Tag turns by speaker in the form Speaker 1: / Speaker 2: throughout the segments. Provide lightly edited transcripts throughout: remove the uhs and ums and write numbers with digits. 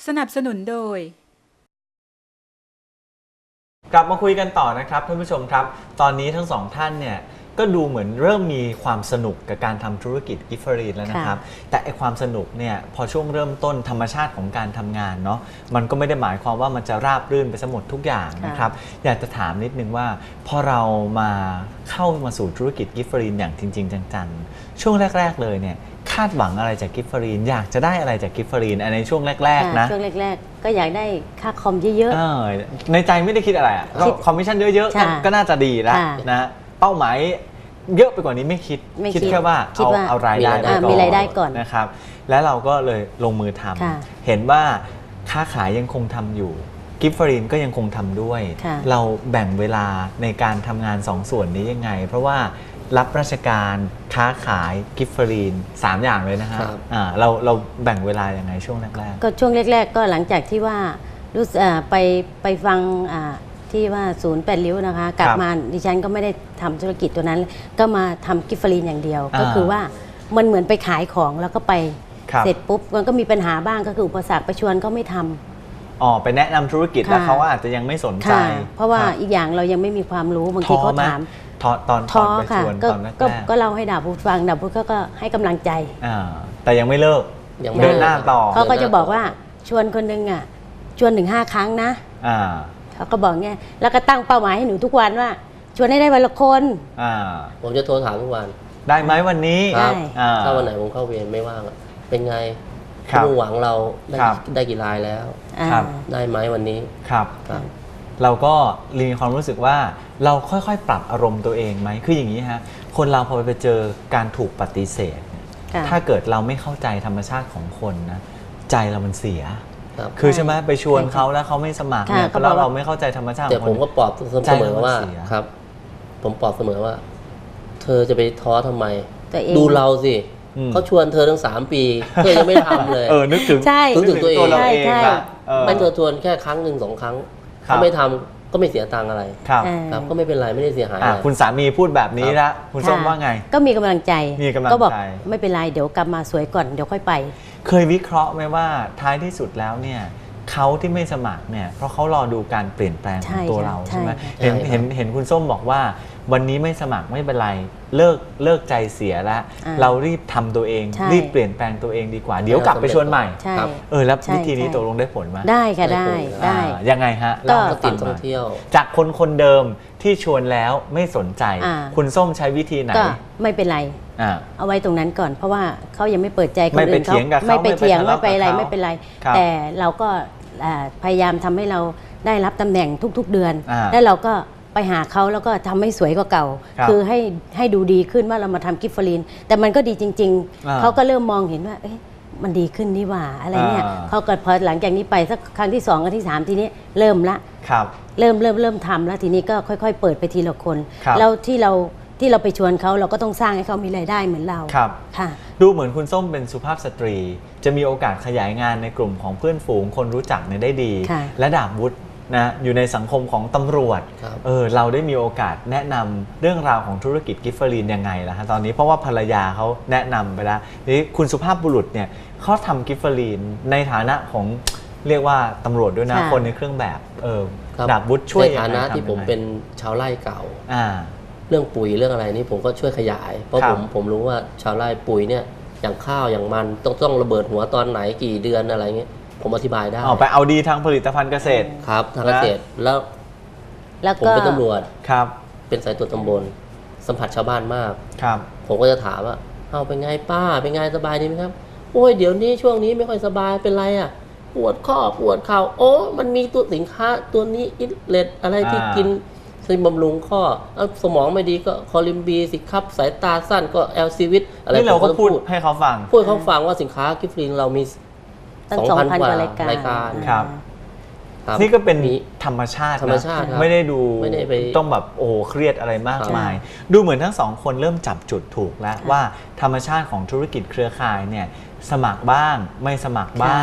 Speaker 1: สนับสนุนโดย
Speaker 2: กลับมาคุยกันต่อนะครับท่านผู้ชมครับตอนนี้ทั้งสองท่านเนี่ยก็ดูเหมือนเริ่มมีความสนุกกับการทำธุรกิจกิฟเฟอรีนแล้วนะครับแต่ไอความสนุกเนี่ยพอช่วงเริ่มต้นธรรมชาติของการทำงานเนาะมันก็ไม่ได้หมายความว่ามันจะราบรื่นไปซะหมดทุกอย่างนะครับอยากจะถามนิดนึงว่าพอเรามาเข้ามาสู่ธุรกิจกิฟเฟอรีนอย่างจริงๆจังๆช่วงแรกๆเลยเนี่ยคาดหวังอะไรจากกิฟเฟอรีนอยากจะได้อะไรจากกิฟเฟอรีนในช่วงแรกๆนะ
Speaker 3: ช่วงแรกๆก็อยากได้ค่าคอมเยอะ
Speaker 2: ๆในใจไม่ได้คิดอะไรอ่ะก็คอมมิชชั่นเยอะๆก็น่าจะดีแล้วนะเป้าหมายเยอะไปกว่านี้ไม่คิดแค่ว่าเอารายได้ก่อนนะครับแล้วเราก็เลยลงมือทำเห็นว่าค้าขายยังคงทำอยู่กิฟเฟอรีนก็ยังคงทำด้วยเราแบ่งเวลาในการทำงาน2ส่วนนี้ยังไงเพราะว่ารับราชการค้าขายกิฟเฟอรีน3อย่างเลยนะครับเราแบ่งเวลายังไงช่วงแรกๆ
Speaker 3: ก็ช่วงแรกๆก็หลังจากที่ว่ารู้ไปฟังที่ว่าศูนย์8 ริ้วนะคะกลับมาดิฉันก็ไม่ได้ทำธุรกิจตัวนั้นก็มาทำกิฟเฟอรีนอย่างเดียวก็คือว่ามันเหมือนไปขายของแล้วก็ไปเสร็จปุ๊บมันก็มีปัญหาบ้างก็คืออุปสรรคไปชวนก็ไม่ทำ
Speaker 2: ไปแนะนำธุรกิจแล้วเขาอาจจะยังไม่สนใจ
Speaker 3: เพราะว่าอีกอย่างเรายังไม่มีความรู้บางทีเขาถาม
Speaker 2: ตอนไปชวนตอนแรก
Speaker 3: ก็เล่าให้ดาบพุทธฟังดาบพุทธก็ให้กำลังใจ
Speaker 2: แต่ยังไม่เลิกเดินหน้าต่อ
Speaker 3: เขาก็จะบอกว่าชวนคนนึงชวนถึง5 ครั้งนะเขาก็บอกเงี้ยแล้วก็ตั้งเป้าหมายให้หนูทุกวันว่าชวนให้ได้วันละคน
Speaker 4: ผมจะโทรถามทุกวัน
Speaker 2: ได้ไหมวันนี้
Speaker 4: ถ้าวันไหนผมเข้าเวรไม่ว่างเป็นไงมุ่งหวังเราได้กี่รายแล้วได้ไหมวันนี้
Speaker 2: ครับเราก็มีความรู้สึกว่าเราค่อยๆปรับอารมณ์ตัวเองไหมคืออย่างนี้ฮะคนเราพอไปเจอการถูกปฏิเสธถ้าเกิดเราไม่เข้าใจธรรมชาติของคนนะใจเรามันเสียคือใช่ไหมไปชวนเขาแล้วเขาไม่สมัครเนี่ยเพราะเราไม่เข้าใจธรรมชาติ
Speaker 4: แต่ผมก็ปลอบเสมอว่าครับผมปลอบเสมอว่าเธอจะไปท้อทำไมดูเราสิเขาชวนเธอทั้ง3 ปีเธอยังไม่ทำเลย
Speaker 2: นึกถึง
Speaker 4: ตัวเอง
Speaker 2: มัน
Speaker 4: เธอชวนแค่ครั้งหนึ่ง2 ครั้งเขาไม่ทำก็ไม่เสียตังค์อะไรครับก็ไม่เป็นไรไม่ได้เสียหายอะไร
Speaker 2: คุณสามีพูดแบบนี้ละคุณส้มว่าไง
Speaker 3: ก็มีกำลังใจก็บอกไม่เป็นไรเดี๋ยวกลับมาสวยก่อนเดี๋ยวค่อยไป
Speaker 2: เคยวิเคราะห์ไหมว่าท้ายที่สุดแล้วเนี่ยเขาที่ไม่สมัครเนี่ยเพราะเขารอดูการเปลี่ยนแปลงของตัวเราใช่ไหมเห็นคุณส้มบอกว่าวันนี้ไม่สมัครไม่เป็นไรเลิกใจเสียแล้วเรารีบทำตัวเองรีบเปลี่ยนแปลงตัวเองดีกว่าเดี๋ยวกลับไปชวนใหม่แล้ววิธีนี้ตกลงได้ผลไหม
Speaker 3: ได้ค่ะได้
Speaker 2: ยังไงฮะ
Speaker 4: ก็ติดท่องเที่ยว
Speaker 2: จากคนเดิมที่ชวนแล้วไม่สนใจคุณส้มใช้วิธีไหน
Speaker 3: ก็ไม่เป็นไรเอาไว้ตรงนั้นก่อนเพราะว่าเขายังไม่เปิดใจคนอื่นเขา
Speaker 2: ไม่
Speaker 3: ไปเถียงไม่ไปอะไรไม่เป็นไรแต่เราก็พยายามทำให้เราได้รับตำแหน่งทุกๆเดือนแล้วเราก็ไปหาเขาแล้วก็ทำให้สวยกว่าเก่าคือให้ดูดีขึ้นว่าเรามาทำกิฟเฟอรีนแต่มันก็ดีจริงๆเขาก็เริ่มมองเห็นว่ามันดีขึ้นนี่ว่าอะไรเนี่ยเขาก็พอหลังจากนี้ไปสักครั้งที่2ครั้งที่3ทีนี้เริ่มละเริ่มทำแล้วทีนี้ก็ค่อยๆเปิดไปทีละคนแล้วที่เราไปชวนเขาเราก็ต้องสร้างให้เขามีรายได้เหมือนเรา
Speaker 2: ค่ะดูเหมือนคุณส้มเป็นสุภาพสตรีจะมีโอกาสขยายงานในกลุ่มของเพื่อนฝูงคนรู้จักได้ดีและดาบวุฒินะอยู่ในสังคมของตำรวจเราได้มีโอกาสแนะนำเรื่องราวของธุรกิจกิฟเฟอรีนยังไงล่ะฮะตอนนี้เพราะว่าภรรยาเขาแนะนำไปแล้วนี่คุณสุภาพบุรุษเนี่ยเขาทำกิฟเฟอรีนในฐานะของเรียกว่าตำรวจด้วยนะคนในเครื่องแบบดาบวุฒิช่วย
Speaker 4: ในฐานะที่ผมเป็นชาวไร่เก่าเรื่องปุ๋ยเรื่องอะไรนี่ผมก็ช่วยขยายเพราะผมรู้ว่าชาวไร่ปุ๋ยเนี่ยอย่างข้าวอย่างมันต้องระเบิดหัวตอนไหนกี่เดือนอะไรเงี้ยผมอธิบายได้
Speaker 2: ไปเอาดีทางผลิตภัณฑ์เกษตร
Speaker 4: ครับทางเกษตรแล้วผมเป็นตำรวจเป็นสายตรวจตำบลสัมผัสชาวบ้านมากผมก็จะถามว่าเอาเป็นไงป้าเป็นไงสบายดีไหมครับโอ้ยเดี๋ยวนี้ช่วงนี้ไม่ค่อยสบายเป็นไรอ่ะปวดข้อปวดเข่าโอ้มันมีตัวสินค้าตัวนี้อิเลตอะไรที่กินซึ่งบำรุงข้อสมองไม่ดีก็คอลิมบีสิครับสายตาสั้นก็แอลซีวิตอะไร
Speaker 2: นี่เราก็พูดให้เขาฟัง
Speaker 4: ว่าสินค้ากิฟต์ลินเรามี2,000 กว่ารายการ
Speaker 2: ครับนี่ก็เป็นธรรมชาติไม่ได้ดูต้องแบบเครียดอะไรมากมายดูเหมือนทั้ง2 คนเริ่มจับจุดถูกแล้วว่าธรรมชาติของธุรกิจเครือข่ายเนี่ยสมัครบ้างไม่สมัครบ้าง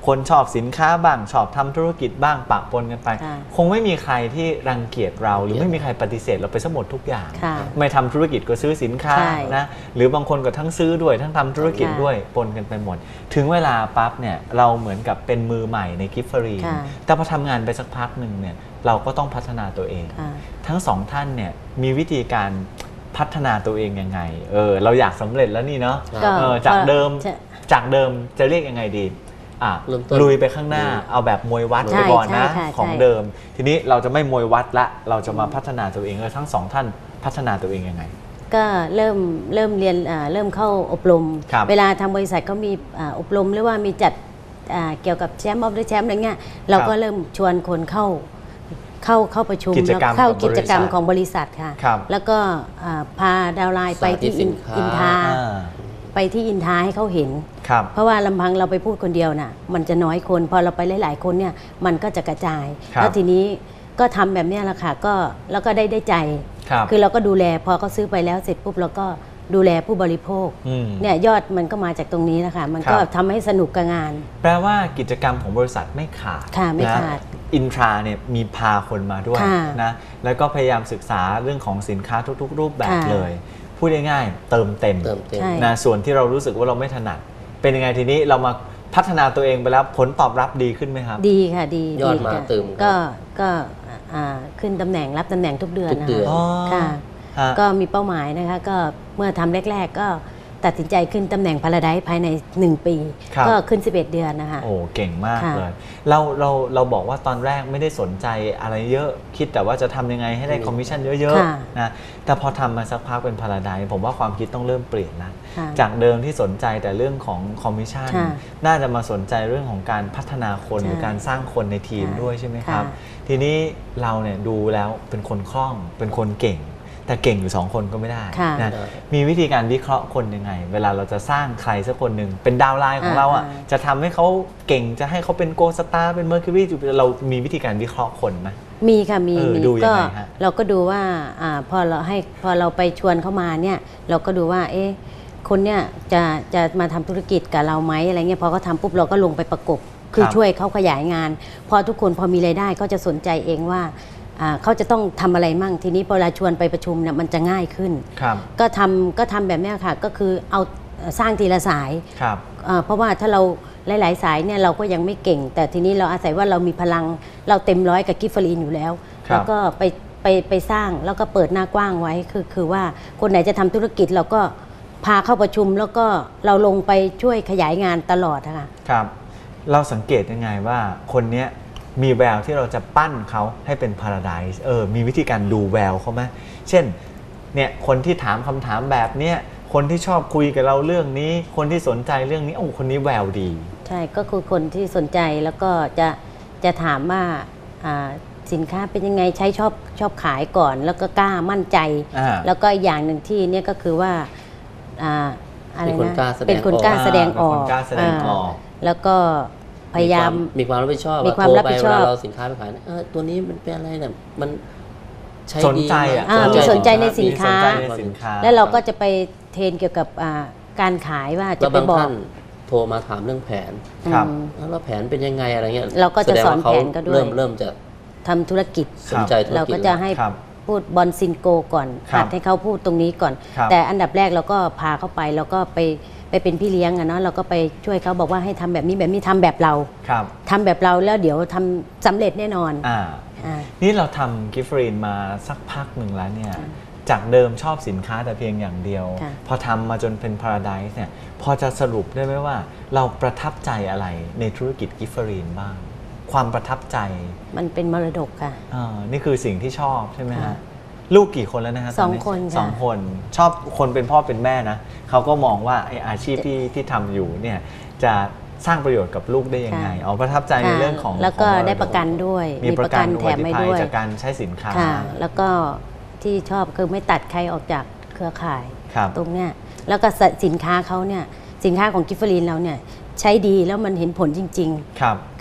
Speaker 2: คนชอบสินค้าบ้างชอบทำธุรกิจบ้างปะปนกันไปคงไม่มีใครที่รังเกียจเราหรือไม่มีใครปฏิเสธเราไปซะหมดทุกอย่างไม่ทำธุรกิจก็ซื้อสินค้านะหรือบางคนก็ทั้งซื้อด้วยทั้งทำธุรกิจด้วยปนกันไปหมดถึงเวลาปั๊บเนี่ยเราเหมือนกับเป็นมือใหม่ในกิฟฟรีนแต่พอทำงานไปสักพักหนึ่งเนี่ยเราก็ต้องพัฒนาตัวเองทั้งสองท่านเนี่ยมีวิธีการพัฒนาตัวเองยังไงเราอยากสำเร็จแล้วนี่เนาะจากเดิมจะเรียกยังไงดีลุยไปข้างหน้าเอาแบบมวยวัดไปก่อนนะของเดิมทีนี้เราจะไม่มวยวัดละเราจะมาพัฒนาตัวเองทั้งสองท่านพัฒนาตัวเองยังไง
Speaker 3: ก็เริ่มเรียนเริ่มเข้าอบรมเวลาทางบริษัทก็มีอบรมหรือว่ามีจัดเกี่ยวกับแชมป์ออฟเดอะแชมป์อะไรเงี้ยเราก็เริ่มชวนคนเข้าประชุมแล้วเข้ากิจกรรมของบริษัทค่ะแล้วก็พาดาวไลน์ไปที่อินทาให้เขาเห็นเพราะว่าลำพังเราไปพูดคนเดียวน่ะมันจะน้อยคนพอเราไปหลายๆคนเนี่ยมันก็จะกระจายแล้วทีนี้ก็ทำแบบนี้แหละค่ะก็แล้วก็ได้ใจคือเราก็ดูแลพอเขาซื้อไปแล้วเสร็จปุ๊บเราก็ดูแลผู้บริโภคเนี่ยยอดมันก็มาจากตรงนี้นะคะมันก็ทำให้สนุกกับงาน
Speaker 2: แปลว่ากิจกรรมของบริษัทไม่ขาด
Speaker 3: ไม่ขาด
Speaker 2: อินทราเนี่ยมีพาคนมาด้วยนะแล้วก็พยายามศึกษาเรื่องของสินค้าทุกๆรูปแบบเลยพูดง่ายๆเติมเต็มนะส่วนที่เรารู้สึกว่าเราไม่ถนัดเป็นยังไงทีนี้เรามาพัฒนาตัวเองไปแล้วผลตอบรับดีขึ้นไหมครับ
Speaker 3: ดีค่ะดี
Speaker 4: ยอดมาเติม
Speaker 3: ก็ขึ้นตำแหน่งรับตำแหน่งทุกเดือนค่ะก็มีเป้าหมายนะคะก็เมื่อทำแรกๆก็ตัดสินใจขึ้นตำแหน่งพาราไดซ์ภายใน1 ปีก็ขึ้น11 เดือนนะคะ
Speaker 2: โอ้เก่งมากเลยเราบอกว่าตอนแรกไม่ได้สนใจอะไรเยอะคิดแต่ว่าจะทำยังไงให้ได้คอมมิชชั่นเยอะๆนะแต่พอทำมาสักพักเป็นพาราไดซ์ผมว่าความคิดต้องเริ่มเปลี่ยนแล้วจากเดิมที่สนใจแต่เรื่องของคอมมิชชั่นน่าจะมาสนใจเรื่องของการพัฒนาคนหรือการสร้างคนในทีมด้วยใช่ไหมครับทีนี้เราเนี่ยดูแล้วเป็นคนคล่องเป็นคนเก่งแต่เก่งอยู่2 คนก็ไม่ได้นะมีวิธีการวิเคราะห์คนยังไงเวลาเราจะสร้างใครสักคนหนึ่งเป็นดาวไลน์ของเราจะทำให้เขาเก่งจะให้เขาเป็นโกสตาร์เป็นเมอร์คิวรีเรามีวิธีการวิเคราะห์คนไหม
Speaker 3: มีค่ะมีก็เราก็ดูว่าพอเราไปชวนเขามาเนี่ยเราก็ดูว่าคนเนี่ยจะมาทำธุรกิจกับเราไหมอะไรเงี้ยพอเขาทำปุ๊บเราก็ลงไปประกบคือช่วยเขาขยายงานพอทุกคนพอมีรายได้เขาจะสนใจเองว่าเขาจะต้องทำอะไรมั่งทีนี้พอเราชวนไปประชุมเนี่ยมันจะง่ายขึ้นก็ทำแบบนี้ค่ะก็คือเอาสร้างทีละสายเพราะว่าถ้าเราหลายๆสายเนี่ยเราก็ยังไม่เก่งแต่ทีนี้เราอาศัยว่าเรามีพลังเราเต็มร้อยกับกิฟฟรีนอยู่แล้วแล้วก็ไปสร้างแล้วก็เปิดหน้ากว้างไว้คือว่าคนไหนจะทำธุรกิจเราก็พาเข้าประชุมแล้วก็เราลงไปช่วยขยายงานตลอดค่ะ
Speaker 2: ครับเราสังเกตยังไงว่าคนเนี้ยมีแววที่เราจะปั้นเขาให้เป็นพาราไดซ์มีวิธีการดูแววเขาไหมเช่นเนี่ยคนที่ถามคำถามแบบเนี้ยคนที่ชอบคุยกับเราเรื่องนี้คนที่สนใจเรื่องนี้คนนี้แววดี
Speaker 3: ใช่ก็คือคนที่สนใจแล้วก็จะถามว่าสินค้าเป็นยังไงใช้ชอบขายก่อนแล้วก็กล้ามั่นใจแล้วก็อย่างหนึ่งที่เนี่ยก็คือว่า
Speaker 4: อะไรนะ
Speaker 3: เป็นคนกล้าแสดงออกแล้วก็พยายาม
Speaker 4: มีความรับผิดชอบมีความรับผิดชอบเราสินค้าไปขายตัวนี้มันเป็นอะไรเนี่ยมันใช้
Speaker 2: ดีสนใจ
Speaker 3: มีสนใจในสินค้าแล้วเราก็จะไปเทรนเกี่ยวกับการขายว่าจะไปบอก
Speaker 4: โทรมาถามเรื่องแผนแล้วแผนเป็นยังไงอะไรเงี้ย
Speaker 3: เราก็จะสอนแผนก็ด้วย
Speaker 4: เริ่มจะ
Speaker 3: ทำธุรกิจ
Speaker 4: สนใจธุรกิจ
Speaker 3: เราก็จะให้พูดบอลซินโกก่อนหัดให้เขาพูดตรงนี้ก่อนแต่อันดับแรกเราก็พาเขาไปแล้วก็ไปเป็นพี่เลี้ยงเนาะเราก็ไปช่วยเขาบอกว่าให้ทำแบบนี้ทำแบบเราทำแบบเราแล้วเดี๋ยวทำสำเร็จแน่นอน
Speaker 2: นี่เราทำกิฟฟรีนมาสักพักหนึ่งแล้วเนี่ยจากเดิมชอบสินค้าแต่เพียงอย่างเดียวพอทำมาจนเป็นพาราไดซ์เนี่ยพอจะสรุปได้ไหมว่าเราประทับใจอะไรในธุรกิจกิฟฟรีนบ้างความประทับใจ
Speaker 3: มันเป็นมรดกค่ะ
Speaker 2: นี่คือสิ่งที่ชอบใช่ไหมฮะลูกกี่คนแล้วนะฮะ
Speaker 3: 2 คนค่ะ
Speaker 2: 2 คนชอบคนเป็นพ่อเป็นแม่นะเขาก็มองว่าไอ้อาชีพที่ทำอยู่เนี่ยจะสร้างประโยชน์กับลูกได้ยังไงประทับใจในเรื่องของ
Speaker 3: แล้วก็ได้ประกันด้วย
Speaker 2: มีประกันแถมให้ด้วยจากการใช้สินค้า
Speaker 3: แล้วก็ที่ชอบคือไม่ตัดใครออกจากเครือข่ายตรงเนี้ยแล้วก็สินค้าเขาเนี่ยสินค้าของกิฟฟรีนเราเนี่ยใช้ดีแล้วมันเห็นผลจริง
Speaker 2: ๆครับ
Speaker 3: ค่ะ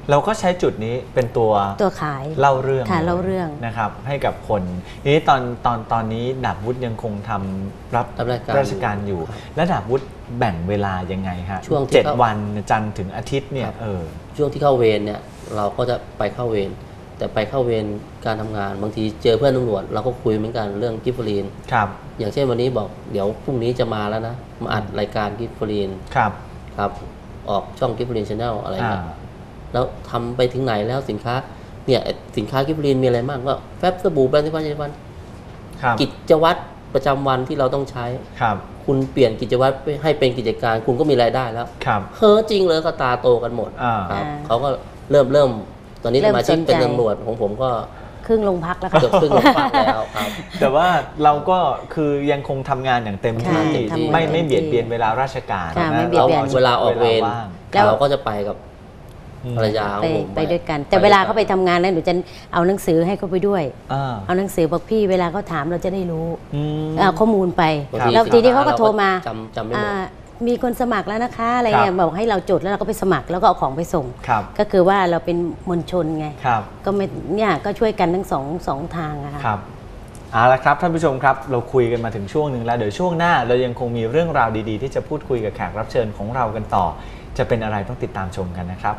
Speaker 2: เราก็ใช้จุดนี้เป็นตัว
Speaker 3: ขาย
Speaker 2: เล่าเรื่อง
Speaker 3: ค่ะเล่าเรื่อง
Speaker 2: นะครับให้กับคนนี้ตอนนี้ดาบวุฒิยังคงทำรับราชการอยู่ และดาบวุฒิแบ่งเวลายังไงฮะช่วง7 วันจันทร์ถึงอาทิตย์เนี่ย
Speaker 4: ช่วงที่เข้าเวรเนี่ยเราก็จะไปเข้าเวรแต่ไปเข้าเวรการทำงานบางทีเจอเพื่อนตำรวจเราก็คุยเหมือนกันเรื่องกิฟต์ลีน
Speaker 2: ครับ
Speaker 4: อย่างเช่นวันนี้บอกเดี๋ยวพรุ่งนี้จะมาแล้วนะมาอัดรายการกิฟต์ลีนครับออกช่องกิฟต์ลีนชาแนลอะไรเงี้ยแล้วทำไปถึงไหนแล้วสินค้าเนี่ยสินค้ากิฟต์ลีนมีอะไรบ้างก็แฟบสบู่แบรนด์ที่วันกิจวัตรประจำวันที่เราต้องใช้คุณเปลี่ยนกิจวัตรให้เป็นกิจการคุณก็มีรายได้แล้วเฮ้อจริงเลยก็ตาโตกันหมดเขาก็เริ่มตอนนี้สมาชิกเป็นตำรวจของผมก็
Speaker 3: ครึ่งโรงพักแล้ว
Speaker 4: เกือบครึ่งโรงพักแล้วครับ
Speaker 2: แต่ว่าเราก็คือยังคงทำงานอย่างเต็มที่ไม่เบียดเบียนเวลาราชการ
Speaker 3: นะ
Speaker 4: เวลาออกเวรเราก็จะไปกับภรรยา
Speaker 3: ไปด้วยกันแต่เวลาเขาไปทำงานแล้วหนูจะเอาหนังสือให้เขาไปด้วยเอาหนังสือบอกพี่เวลาเขาถามเราจะได้รู้เอาข้อมูลไปแล้วทีนี้เขาก็โทรมา
Speaker 4: จำไม่หมด
Speaker 3: มีคนสมัครแล้วนะคะอะไรเงี้ยบอกให้เราจดแล้วเราก็ไปสมัครแล้วก็เอาของไปส่งก็คือว่าเราเป็นมวลชนไงก็ไม่เนี่ยก็ช่วยกันทั้งสองทางอะค่ะ
Speaker 2: เอาละครับท่านผู้ชมครับเราคุยกันมาถึงช่วงหนึ่งแล้วเดี๋ยวช่วงหน้าเรายังคงมีเรื่องราวดีๆที่จะพูดคุยกับแขกรับเชิญของเรากันต่อจะเป็นอะไรต้องติดตามชมกันนะครับ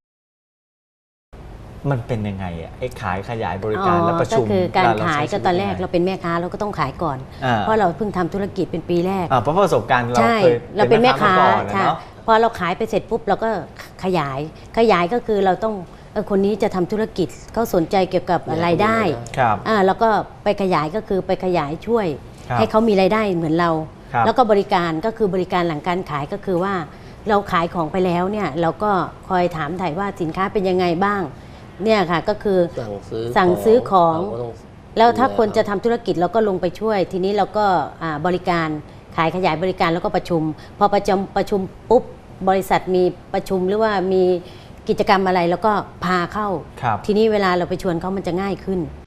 Speaker 2: มันเป็นยังไงอ่ะไอ้ขายขยายบริการและประชุม
Speaker 3: ก็คือการขายก็ตอนแรกเราเป็นแม่ค้าเราก็ต้องขายก่อนเพราะเราเพิ่งทำธุรกิจเป็นปีแรก
Speaker 2: เพราะประสบการณ์เราเคย
Speaker 3: เราเป็นแม่ค้าใช่พอเราขายไปเสร็จปุ๊บเราก็ขยายก็คือเราต้องคนนี้จะทำธุรกิจเขาสนใจเกี่ยวกับรายได้แล้วก็ไปขยายก็คือไปขยายช่วยให้เขามีรายได้เหมือนเราแล้วก็บริการก็คือบริการหลังการขายก็คือว่าเราขายของไปแล้วเนี่ยเราก็คอยถามถ่ายว่าสินค้าเป็นยังไงบ้างเนี่ยค่ะก็คือสั่งซื้อของแล้วถ้าคนจะทำธุรกิจเราก็ลงไปช่วยทีนี้เราก็บริการขายขยายบริการแล้วก็ประชุมพอประชุมปุ๊บบริษัทมีประชุมหรือว่ามีกิจกรรมอะไรแล้วก็พาเข้าทีนี้เวลาเราไปชวนเขามันจะง่ายขึ้น